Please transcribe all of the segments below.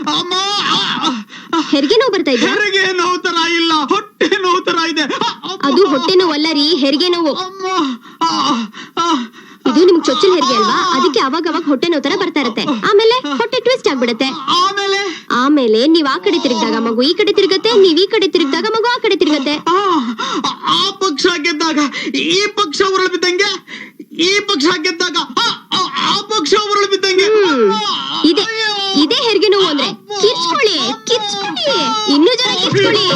ಅಮ್ಮ ಹೆರಿಗೆ ನೋವು ಬರ್ತಾ ಇದೆ? ಹೆರಿಗೆ ನೋವು ತರ ಇಲ್ಲ, ಹೊಟ್ಟೆ ನೋವು ತರ ಇದೆ. ಅದು ಹೊಟ್ಟೆ ನೋವು ಅಲ್ಲ ರೀ, ಹೆರಿಗೆ ನೋವು. ಅಮ್ಮ ಇದು ನಿಮ್ಗೆ ಚೊಚ್ಚಲ್ ಹೆರಿಗೆ ಅಲ್ವಾ, ಅದಕ್ಕೆ ಅವಾಗ ಹೊಟ್ಟೆ ನೋವು ತರ ಬರ್ತಾ ಇರುತ್ತೆ. ಆಮೇಲೆ ಹೊಟ್ಟೆ ಟ್ವಿಸ್ಟ್ ಆಗ್ಬಿಡತ್ತೆ. ಆಮೇಲೆ ನೀವ್ ಆ ಕಡೆ ತಿರುಗಿದಾಗ ಮಗು ಈ ಕಡೆ ತಿರುಗತ್ತೆ, ನೀವ್ ಈ ಕಡೆ ತಿರುಗಿದಾಗ ಮಗು ಆ ಕಡೆ ತಿರುಗತ್ತೆ. ಆ ಪಕ್ಷ ಗೆದ್ದಾಗ ಈ ಪಕ್ಷ ಉರುಳು ಬಿದ್ದಂಗೆ, ಈ ಪಕ್ಷ ಗೆದ್ದಾಗ ಆ ಪಕ್ಷ ಉರುಳು ಬಿದ್ದಂಗೆ. ಇದೇ ಹೆರಿಗೆ ನೋವು ಅಂದ್ರೆ. ಕಿರ್ಚ್ಕೊಳ್ಳಿ, ಇನ್ನೂ ಜನ ಕಿರ್ಚ್ಕೊಳ್ಳಿ.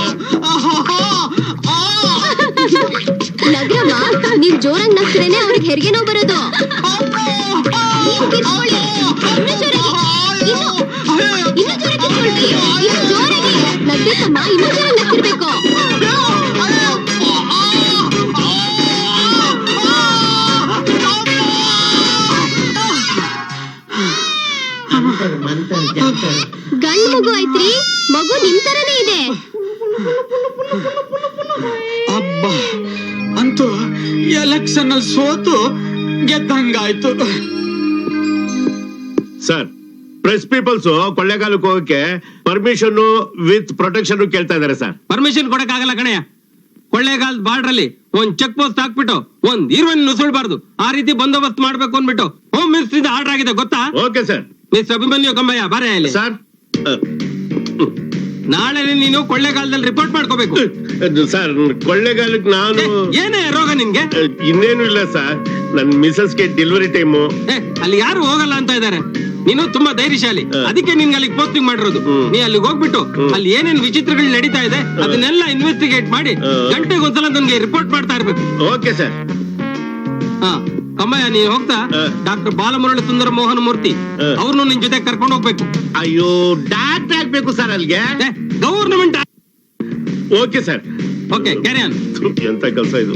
ನಗ್ರಮ್ಮ, ನೀವ್ ಜೋರಾಗಿ ನಗ್ತಿರೇನೆ ಅವ್ರಿಗೆ ಹೆರಿಗೆ ನೋವು ಬರೋದು. ನೀವು ಕಿರ್ಚ್ಕೊಳ್ಳಿ, ಇನ್ನೂ ಜೋರಾಗಿ, ಇನ್ನೂ ಜೋರಾಗಿ ಕಿರ್ಚ್ಕೊಳ್ರಿ, ಇನ್ನೂ ಜೋರಾಗಿ ನಗ್ಬೇಕಮ್ಮ, ಇನ್ನೂ ಜೋರಾಗಿ ನಗ್ತಿರ್ಬೇಕು. ಗಂಡು ಮಗು ಐತ್ರಿ, ಮಗು ನಿಮ್ ತರನೇ ಇದೆ. ಅಬ್ಬ, ಅಂತೂ ಎಲೆಕ್ಷನ್ ಅಲ್ಲಿ ಸೋತು ಗೆದ್ದಂಗಾಯ್ತು. ಸರ್, ಪ್ರೆಸ್ ಪೀಪಲ್ಸ್ ಕೊಳ್ಳೇಗಾಲಕ್ಕೆ ಹೋಗಕ್ಕೆ ಪರ್ಮಿಷನ್ ವಿತ್ ಪ್ರೊಟೆಕ್ಷನ್ ಕೇಳ್ತಾ ಇದಾರೆ ಸರ್. ಪರ್ಮಿಷನ್ ಕೊಡಕ್ ಆಗಲ್ಲ ಕಣಯ್ಯ. ಕೊಳ್ಳೇಗಾಲದ ಬಾರ್ಡರ್ ಅಲ್ಲಿ ಒಂದ್ ಚೆಕ್ ಪೋಸ್ಟ್ ಹಾಕ್ಬಿಟ್ಟು ಒಂದ್ ಹೀರೋಯಿನ್ ನುಸುಳ್ಬಾರ್ದು, ಆ ರೀತಿ ಬಂದೋಬಸ್ತ್ ಮಾಡ್ಬೇಕು ಅಂದ್ಬಿಟ್ಟು ಹೋಮ್ ಮಿನಿಸ್ಟ್ರಿ ಆರ್ಡರ್ ಆಗಿದೆ, ಗೊತ್ತಾ? Okay sir. Miss Abhimanyu Kammayya ಬಾರೆ ಇಲ್ಲಿ ಸರ್. ನಾಳೆ ನೀನು ಕೊಳ್ಳೇಗಾಲದಲ್ಲಿ ರಿಪೋರ್ಟ್ ಮಾಡ್ಕೋಬೇಕು. ಸರ್, ಕೊಳ್ಳೇಗಾಲಕ್ಕೆ ನಾನು ಏನೇ ರೋಗ ನಿನ್ಗೆ? ಇನ್ನೇನು ಇಲ್ಲ ಸರ್, ನನ್ ಮಿಸಸ್ಗೆ ಡೆಲಿವರಿ ಟೈಮು. ಅಲ್ಲಿ ಯಾರು ಹೋಗಲ್ಲ ಅಂತ ಇದಾರೆ. ನೀನು ತುಂಬಾ ಧೈರ್ಯಶಾಲಿ, ಅದಕ್ಕೆ ನಿನ್ಗೆ ಅಲ್ಲಿಗೆ ಪೋಸ್ಟಿಂಗ್ ಮಾಡಿರೋದು. ನೀ ಅಲ್ಲಿಗೆ ಹೋಗ್ಬಿಟ್ಟು ಅಲ್ಲಿ ಏನೇನ್ ವಿಚಿತ್ರಗಳು ನಡೀತಾ ಇದೆ ಅದನ್ನೆಲ್ಲ ಇನ್ವೆಸ್ಟಿಗೇಟ್ ಮಾಡಿ ಗಂಟೆಗೆ ಒಂದ್ಸಲ ನನ್ಗೆ ರಿಪೋರ್ಟ್ ಮಾಡ್ತಾ ಇರ್ಬೇಕು. Okay sir. ಹಾ ಕಮ್ಮಯ್ಯ, ನೀನ್ ಹೋಗ್ತಾ ಡಾಕ್ಟರ್ ಬಾಲಮುರಳಿ ಸುಂದರ ಮೋಹನ್ ಮೂರ್ತಿ ಅವ್ರನ್ನು ನಿನ್ ಜೊತೆ ಕರ್ಕೊಂಡು ಹೋಗ್ಬೇಕು. ಅಯ್ಯೋ, ಡಾಕ್ಟರ್ ಆಗ್ಬೇಕು ಸರ್ ಅಲ್ಲಿಗೆ? Government. Okay sir. Okay, carry on. ಎಂತ ಕೆಲಸ ಇದು?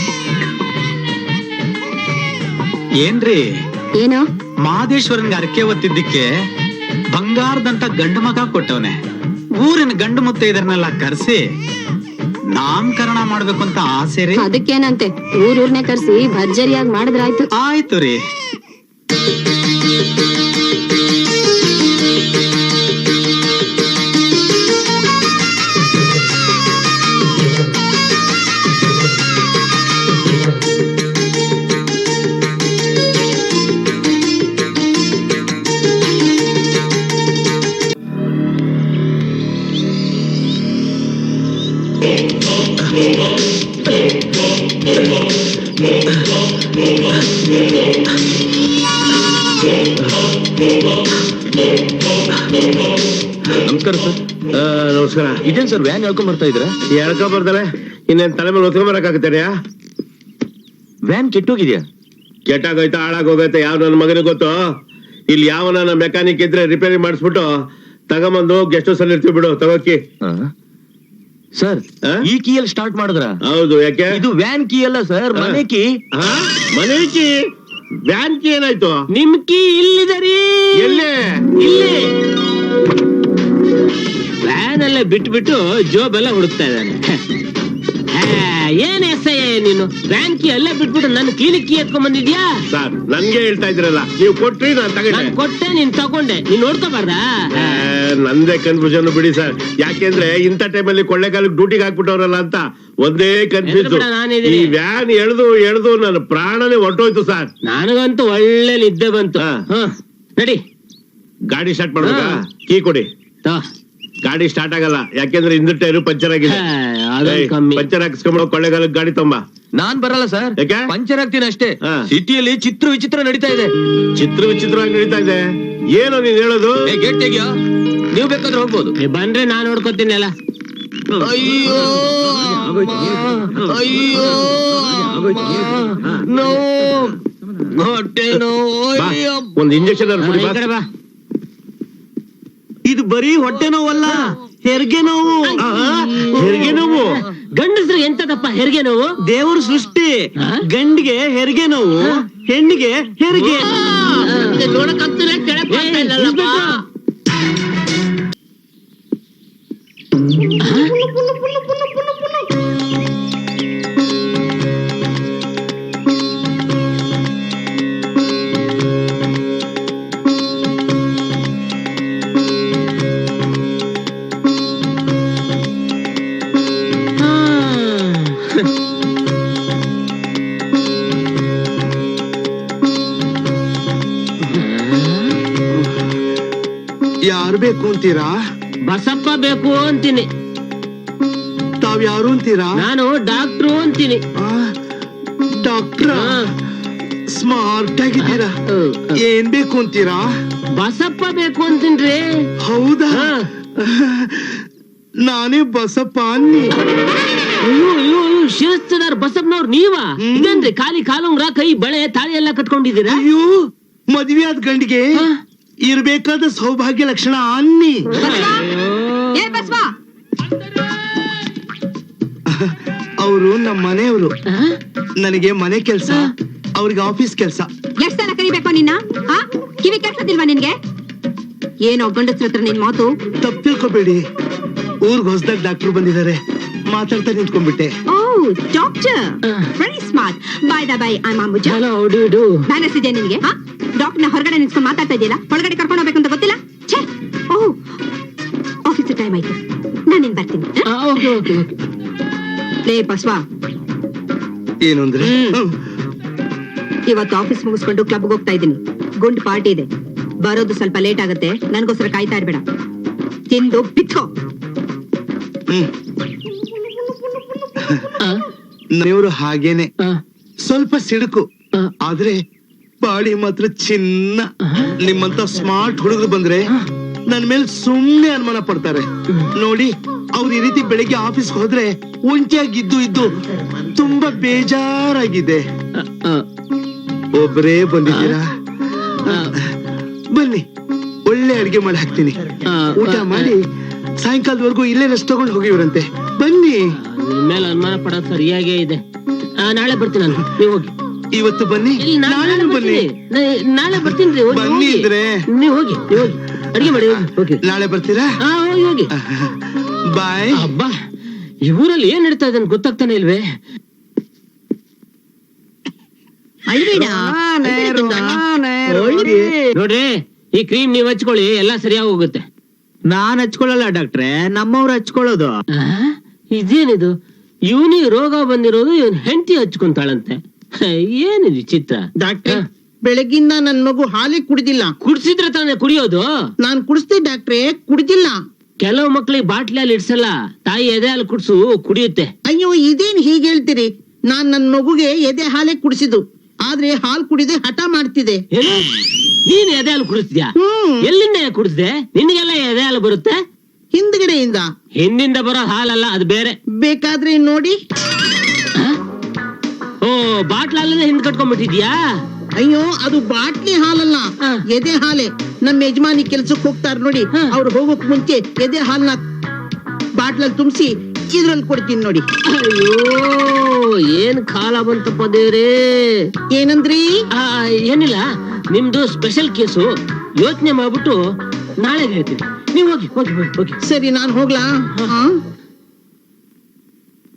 ಏನ್ರಿ ಏನೋ ಮಹದೇಶ್ವರನ್ಗೆ ಅರಕೆ ಹೊತ್ತಿದ್ದಕ್ಕೆ ಬಂಗಾರದಂತ ಗಂಡು ಮಗ ಕೊಟ್ಟವನೆ. ಊರಿನ ಗಂಡು ಮುತ್ತ ಇದನ್ನೆಲ್ಲ ಕರ್ಸಿ ನಾಮಕರಣ ಮಾಡ್ಬೇಕು ಅಂತ ಆಸೆ ರೀ. ಅದಕ್ಕೇನಂತೆ, ಊರ್ನೇ ಕರ್ಸಿ ಭರ್ಜರಿಯಾಗಿ ಮಾಡಿದ್ರಾಯ್ತು. ಆಯ್ತು ರೀ. ನಮಸ್ಕಾರ ಸರ್. ನಮಸ್ಕಾರ. ಇದೇನ್ ಸರ್ ವ್ಯಾನ್ ಹೇಳ್ಕೊಂಡ್ ಬರ್ತಾ ಇದ್ರ? ಹೇಳ್ಕೊಂಡ್ ಬರ್ತಾರೆ, ಇನ್ನೇನ್ ತಲೆ ಮೇಲೆ ಹೊತ್ಕೊಂಡ್ ಬರಕಾಗತ್ತೇನೆಯಾ? ವ್ಯಾನ್ ಕೆಟ್ಟೋಗಿದ್ಯಾ? ಕೆಟ್ಟಾಗೋಯ್ತಾ ಹಾಳಾಗೋಗೈತೆ ಯಾವ ನನ್ನ ಮಗನಿಗೆ ಗೊತ್ತು. ಇಲ್ಲಿ ಯಾವ ನನ್ನ ಮೆಕ್ಯಾನಿಕ್ ಇದ್ರೆ ರಿಪೇರಿ ಮಾಡಿಸ್ಬಿಟ್ಟು ತಗೊಂಬಂದು ಗೆಸ್ಟ್ ಹೌಸ್ ಅಲ್ಲಿ ಇರ್ತೀವಿ, ಬಿಡು ತಗೋಕಿ. ಸರ್, ಈ ಕೀಯಲ್ಲಿ ಸ್ಟಾರ್ಟ್ ಮಾಡಿದ್ರ? ಹೌದು. ಯಾಕೆ? ಇದು ವ್ಯಾನ್ ಕೀ ಅಲ್ಲ ಸರ್, ಮನೆ ಕೀ. ಮನೆ ಕೀ? ವ್ಯಾನ್ ಕೀ ಏನಾಯ್ತು? ನಿಮ್ ಕೀ ಇಲ್ಲಿದೆ ರೀ. ಎಲ್ಲೇ? ಇಲ್ಲಿ ವ್ಯಾನ್ ಅಲ್ಲೇ ಬಿಟ್ಬಿಟ್ಟು ಜೋಬ್ ಎಲ್ಲ ಹುಡುಕ್ತಾ ಇದ್ದಾನೆ. ಏನ್ ಎಸ್ ಐ ನೀನು ವ್ಯಾನ್ ಕೀ ಅಲ್ಲೇ ಬಿಟ್ಬಿಟ್ಟು ನನ್ನ ಕ್ಲಿನಿಕ್ ಕೀ ಎತ್ಕೊಂಡ್ ಬಂದಿದ್ಯಾ? ಸರ್, ನನ್ಗೆ ಹೇಳ್ತಾ ಇದ್ರಲ್ಲ, ನೀವು ಕೊಟ್ರಿ ನಾನು ತಗೊಂಡೆ. ಕೊಟ್ಟೆ, ನೀನ್ ತಗೊಂಡೆ, ನೀನ್ ನೋಡ್ಕೋಬಾರ್ದಾ? ನಂದೇ ಕನ್ಫ್ಯೂಷನ್ ಬಿಡಿ ಸರ್. ಯಾಕೆಂದ್ರೆ ಇಂಥ ಟೈಮಲ್ಲಿ ಕೊಳ್ಳೇಗಾಲಕ್ಕೆ ಡ್ಯೂಟಿಗೆ ಹಾಕ್ಬಿಟ್ಟವ್ರಲ್ಲ ಅಂತ ಒಂದೇ ಕನ್ಫ್ಯೂಸ್. ಈ ವ್ಯಾನ್ ಎಳ್ದು ನನ್ನ ಪ್ರಾಣನೇ ಹೊರಟೋಯ್ತು ಸರ್. ನನಗಂತೂ ಒಳ್ಳೆ ನಿದ್ದೆ ಬಂತು. ನಡಿ, ಗಾಡಿ ಸ್ಟಾರ್ಟ್ ಮಾಡ್ಬೇಕಾ? ಕೀ ಕೊಡಿ. ಗಾಡಿ ಸ್ಟಾರ್ಟ್ ಆಗಲ್ಲ, ಯಾಕೆಂದ್ರೆ ಹಿಂದಿನ ಟೈರು ಪಂಚರ್ ಆಗಿದೆ. ಪಂಚರ್ ಹಾಕಿಸ್ಕೊಂಡ್ ಕೊಳ್ಳೇಗಾಲಕ್ಕೆ ಗಾಡಿ ತೊಂಬ. ನಾನ್ ಬರಲ್ಲ ಸರ್. ಯಾಕೆ? ಪಂಚರ್ ಆಗ್ತೀನಿ ಅಷ್ಟೇ. ಸಿಟಿಯಲ್ಲಿ ಚಿತ್ರ ವಿಚಿತ್ರ ನಡೀತಾ ಇದೆ. ಚಿತ್ರ ವಿಚಿತ್ರವಾಗಿ ನಡೀತಾ ಇದೆ? ಏನೋ ನೀನ್ ಹೇಳೋದು? ಗೇಟ್ ತೆಗಿಯೋ, ನೀವು ಬೇಕಾದ್ರೆ ಹೋಗ್ಬೋದು. ಬಂದ್ರೆ ನಾನ್ ನೋಡ್ಕೋತೀನಿ ಅಲ್ಲ. ಅಯ್ಯೋ ಅಯ್ಯೋ ನೋವು, ಹೊಟ್ಟೆ ನೋವು. ಒಂದ್ ಇಂಜೆಕ್ಷನ್ ಬಾ. ಇದು ಬರೀ ಹೊಟ್ಟೆ ನೋವಲ್ಲ, ಹೆರಿಗೆ ನೋವು. ಹೆರಿಗೆ ನೋವು? ಗಂಡಸ್ರು ಎಂತದಪ್ಪ ಹೆರಿಗೆ ನೋವು? ದೇವ್ರ ಸೃಷ್ಟಿ. ಗಂಡಿಗೆ ಹೆರಿಗೆ ನೋವು, ಹೆಣ್ಣಿಗೆ ಹೆರಿಗೆ. ನೋಡಕ್ಕಂತಲೇ ಕೆಳಕ್ ಬರ್ತಾ ಇಲ್ಲಲ್ಲಪ್ಪ. ಯಾರು ಬೇಕು ಅಂತೀರಾ? ಬಸಪ್ಪ ಬೇಕು ಅಂತೀನಿ. ತಾವ್ ಯಾರು ಅಂತೀರಾ? ನಾನು ಡಾಕ್ಟ್ರು ಅಂತೀನಿ. ಡಾಕ್ಟ್ರ? ಸ್ಮಾರ್ಟ್ ಆಗಿದ್ದೀರಾ. ಏನ್ ಬೇಕು ಅಂತೀರಾ? ಬಸಪ್ಪ ಬೇಕು ಅಂತೀನ್ರಿ. ಹೌದಾ? ನಾನೇ ಬಸಪ್ಪ ಅನ್ನಿ. ಅಯ್ಯೋ ಅಯ್ಯೋ ಅಯ್ಯೋ, ಶಿರಸ್ತದಾರ್ ಬಸಪ್ಪನವ್ರು ನೀವಾ? ಇದೇನ್ರಿ ಖಾಲಿ ಕಾಲುಂಗ್ರ, ಕೈ ಬಳೆ, ತಾಳಿ ಎಲ್ಲ ಕಟ್ಕೊಂಡಿದ್ದೀರಾ? ಅಯ್ಯೋ, ಮದ್ವೆ ಆದ ಗಂಡಿಗೆ ಇರ್ಬೇಕಾದ ಸೌಭಾಗ್ಯ ಲಕ್ಷಣ ಅನ್ನಿ. ಅವರು ನಮ್ಮ ಮನೆಯವರು. ನನಗೆ ಮನೆ ಕೆಲ್ಸ, ಅವ್ರಿಗೆ ಆಫೀಸ್ ಕೆಲ್ಸ. ಎಷ್ಟ್ ಸಲ ಕರಿಬೇಕು ನಿನ್ನ? ಕಿವಿ ಕೆಲ್ಸದಿಲ್ವಾ ನಿನ್ಗೆ? ಏನೋ ಗಂಡಸ್ರ ಹತ್ರ ನಿನ್ ಮಾತು. ತಪ್ಪು ತಿಳ್ಕೊಬೇಡಿ, ಊರ್ಗ್ ಹೊಸದಾಗ ಡಾಕ್ಟರ್ ಬಂದಿದ್ದಾರೆ, ಮಾತಾಡ್ತಾ ನಿಂತ್ಕೊಂಡ್ಬಿಟ್ಟೆ. ಓ, doctor, very smart. By the by, ಐ ಮಾಮುಜ. ಹಲೋ, ಡು ಮ್ಯಾನಸ್ ಇದೆ ನಿನ್ಗೆ? ಡಾಕ್ಟರ್ನ ಹೊರಗಡೆ ನಿಂತ್ಕೊಂಡು ಮಾತಾಡ್ತಾ ಇದೆಯಲ್ಲ, ಒಳಗಡೆ ಕರ್ಕೊಂಡು ಹೋಗ್ಬೇಕು ಅಂತ ಗೊತ್ತಿಲ್ಲ? ಛೇ, ಓ, ಆಫೀಸ್ ಟೈಮ್ ಆಯ್ತು, ನಾನು ನಿನ್ ಬರ್ತೀನಿ. Okay okay okay. ಲೇ ಬಸ್ವಾ, ಏನು ಅಂದ್ರೆ? ಇವತ್ತು ಆಫೀಸ್ ಮುಗಿಸ್ಕೊಂಡು ಕ್ಲಬ್ಗೆ ಹೋಗ್ತಾ ಇದ್ದೀನಿ. ಗುಂಡ್ ಪಾರ್ಟಿ ಇದೆ, ಬರೋದು ಸ್ವಲ್ಪ ಲೇಟ್ ಆಗುತ್ತೆ. ನನ್ಗೋಸ್ಕರ ಕಾಯ್ತಾ ಇರ್ಬೇಡ, ತಿಂದು ಬಿತ್ತೋ. ಮನೆಯವರು ಹಾಗೇನೆ, ಸ್ವಲ್ಪ ಸಿಡುಕು, ಆದ್ರೆ ಬಾಡಿ ಮಾತ್ರ ಚಿನ್ನ. ನಿಮ್ಮಂತ ಸ್ಮಾರ್ಟ್ ಹುಡುಗರು ಬಂದ್ರೆ ನನ್ ಮೇಲೆ ಸುಮ್ನೆ ಅನುಮಾನ ಪಡ್ತಾರೆ. ನೋಡಿ, ಅವ್ರು ಈ ರೀತಿ ಬೆಳಿಗ್ಗೆ ಆಫೀಸ್ಗೆ ಹೋದ್ರೆ ಒಂಟಿಯಾಗಿದ್ದು ಇದ್ದು ತುಂಬಾ ಬೇಜಾರಾಗಿದೆ. ಒಬ್ಬರೇ ಬಂದಿದ್ದೀರಾ? ಬನ್ನಿ, ಒಳ್ಳೆ ಅಡ್ಗೆ ಮಾಡಿ ಹಾಕ್ತೀನಿ. ಊಟ ಮಾಡಿ ಸಾಯಂಕಾಲದವರೆಗೂ ಇಲ್ಲೇ ರೆಸ್ಟ್ ತಗೊಂಡು ಹೋಗಿವ್ರಂತೆ. ಬನ್ನಿ. ಮೇಲೆ ಅನುಮಾನ ಪಡೋದು ಸರಿಯಾಗೇ ಇದೆ. ನಾಳೆ ಬರ್ತೀನಿ ನಾನು, ನೀವು ಹೋಗಿ. ಇವತ್ತು ಬನ್ನಿ, ನಾಳೆ ಬನ್ನಿ. ನಾಳೆ ಬರ್ತೀನಿ. ಬನ್ನಿ ಇದ್ರೆ ನೀವು ಹೋಗಿ, ನೀವು ಹೋಗಿ ಅಡಿಗೆ ಮಾಡಿ ಹೋಗಿ. ನಾಳೆ ಬರ್ತೀರಾ? ಹೋಗಿ ಹೋಗಿ. ಬಾಯ್. ಅಬ್ಬಾ, ಈ ಊರಲ್ಲಿ ಏನ್ ನಡೀತಾ ಇದೆ ಅಂತ ಗೊತ್ತಾಗ್ತಾನೆ ಇಲ್ವೇ? ನೋಡ್ರಿ, ಈ ಕ್ರೀಮ್ ನೀವ್ ಹಚ್ಕೊಳ್ಳಿ, ಎಲ್ಲಾ ಸರಿಯಾಗಿ ಹೋಗುತ್ತೆ. ನಾನ್ ಹಚ್ಕೊಳ್ಳಲ್ಲ ಡಾಕ್ಟ್ರೆ, ನಮ್ಮವ್ರು ಹಚ್ಕೊಳ್ಳೋದು. ಇದೇನಿದು, ಇವನಿಗೆ ರೋಗ ಬಂದಿರೋದು ಇವನ್ ಹೆಂಡತಿ ಹಚ್ಕೊಂತಾಳಂತೆ. ಏನಿದು ಚಿತ್ರ? ಡಾಕ್ಟ್ರೆ, ಬೆಳಗಿಂದ ನನ್ ಮಗು ಹಾಲೇ ಕುಡಿದಿಲ್ಲ. ಕುಡ್ಸಿದ್ರೆ ತಾನೇ ಕುಡಿಯೋದು? ನಾನ್ ಕುಡಿಸ್ದೆ ಡಾಕ್ಟ್ರೆ, ಕುಡಿದಿಲ್ಲ. ಕೆಲವು ಮಕ್ಳಿಗೆ ಬಾಟ್ಲಲ್ಲಿ ಇಡ್ಸಲ್ಲ, ತಾಯಿ ಎದೆ ಹಾಲು ಕುಡ್ಸು ಕುಡಿಯುತ್ತೆ. ಅಯ್ಯೋ, ಇದೇನ್ ಹೀಗೆ ಹೇಳ್ತೀರಿ? ನಾನ್ ನನ್ ಮಗುಗೆ ಎದೆ ಹಾಲೇ ಕುಡಿಸಿದ್ದು, ಆದ್ರೆ ಹಾಲ್ ಕುಡಿದೆ ಹಠ ಮಾಡ್ತಿದೆ. ಏನು? ನೀನ್ ಎದೆ ಹಾಲು ಕುಡಿಸ್ದ್ಯಾ? ಎಲ್ಲಿಂದ ಕುಡಿಸ್ದೆ? ನಿನ್ಗೆಲ್ಲ ಎದೆ ಹಾಲು ಬರುತ್ತೆ? ಹಿಂದ್ಗಡೆಯಿಂದ. ಹಿಂದಿಂದ ಬರೋ ಹಾಲಲ್ಲ, ಅದು ಬೇರೆ. ಬೇಕಾದ್ರೆ ನೋಡಿ. ಓ, ಬಾಟ್ಲಲ್ಲೇ ಹಿಂದ್ ಕಟ್ಕೊಂಡ್ಬಿಟ್ಟಿದ್ಯಾ? ಅಯ್ಯೋ, ಅದು ಬಾಟ್ಲಿ ಹಾಲಲ್ಲ, ಎದೆ ಹಾಲೆ. ನಮ್ಮ ಯಜಮಾನಿ ಕೆಲ್ಸಕ್ಕೆ ಹೋಗ್ತಾರ ನೋಡಿ, ಅವ್ರು ಹೋಗೋಕ್ ಮುಂಚೆ ಎದೆ ಹಾಲ್ನ ಬಾಟ್ಲಲ್ಲಿ ತುಂಬಿಸಿ ಇದ್ರಲ್ಲಿ ಕೊಡ್ತೀನಿ ನೋಡಿ. ಅಯ್ಯೋ, ಏನ್ ಕಾಲ ಬಂತಪ್ಪ ದೇವ್ರೇ. ಏನಂದ್ರಿ? ಏನಿಲ್ಲ, ನಿಮ್ದು ಸ್ಪೆಷಲ್ ಕೇಸು, ಯೋಚನೆ ಮಾಡ್ಬಿಟ್ಟು ನಾಳೆ ಹೇಳ್ತೀನಿ. ನೀವು ಹೋಗಿ ಹೋಗಿ ಹೋಗಿ ಹೋಗಿ. ಸರಿ, ನಾನ್ ಹೋಗ್ಲಾ?